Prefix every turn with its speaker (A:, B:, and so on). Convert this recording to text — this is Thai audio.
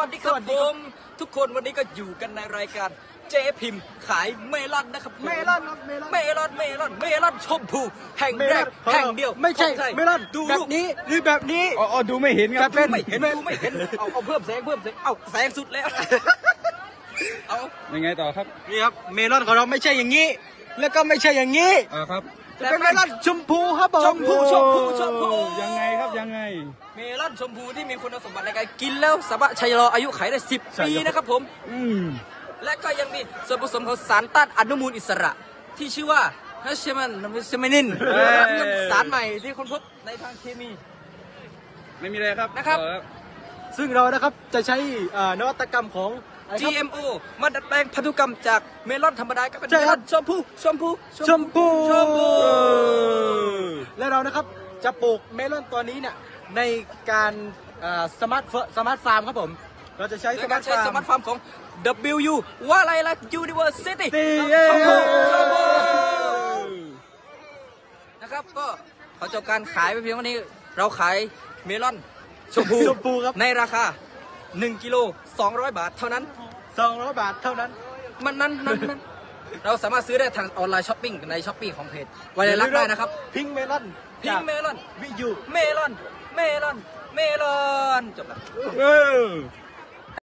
A: วัสดีครับผมทุกคนวันนี้ก็อยู่กันในรายการเจ๊พิมพ์ขายเมลอนนะครับ
B: เมลอนครับเมลอน
A: เมลอนเมลอนเมลอนชมพูแห่งแรกแห่งเดียว
B: ไม่ใช่
A: ของทย
B: เมลอน
A: ดู
B: แบ
A: รู
B: บ
A: ป
B: นี้หรือแบบนี้
C: อ๋อดูไม่เห็นครับ
B: เป็น
A: ไม่เห็นดูไม่เห็นเอาเพิ่มแสงเอาแสงสุดแล้วเอา
C: ยังไงต่อครับ
B: นี่ครับเมลอนของเราไม่ใช่อย่างนี้ แล้วก็ไม่ใช่อย่างนี้
C: ครับ
B: จะเป็นเมลอนชมพูครับผม
A: ชมพูชมพูชมพู
C: ยังไงครับยังไง
A: เมลอนชมพูที่มีคุณสมบัติในการกินแล้วสามารถชะลออายุขัยได้10 ปีนะครับผม และก็ยังมีส่วนผสมของสารต้านอนุมูลอิสระ ที่ชื่อว่าฮัชเมนินเป็นสารใหม่ที่ค้นพบในทางเคมี
C: ไม่มีอะไรครับ
A: นะครับ
C: ต่อ
B: ซึ่งเรานะครับจะใช้นวัตกรรมของอะไรครับ
A: GMO มาดัดแปลงพันธุกรรมจากเมลอนธรรมดาก็เป็น
B: ใช่
A: เม
B: ค
A: ล
B: รั
A: อบ นชมพูชมพู
B: ชมพู
A: ชมพู
B: และเรานะครับจะปลูกเมลอนตัวนี้เนี่ยในการสมาร์ทฟาร์มครับผม เราจะใช้
A: โด
B: ส
A: ย
B: มา
A: การ
B: ร์ท
A: ใช้
B: ฟาร์
A: ส
B: ม
A: มาร์ทฟาร์มของ WU ว่าอะไรล่ะ University
B: เย้
A: ชมพูชมพูนะครับก็ขอจบการขายไปเพียงวันนี้เราขายเมลอนชมพู
B: ชมพูครับ
A: ในราคา1 กิโล200 บาทเท่านั้น
B: 200 บาทเท่านั้น
A: นั้นเราสามารถซื้อได้ทางออนไลน์ช้อปปิ้งในช้อปปี้ของเพจไวไลลักษณ์ได้นะครับ
B: พิงเมลอน
A: พิงเมลอน
B: วิยู
A: เมลอน เมลอน เมลอนจบแล้ว
C: เออ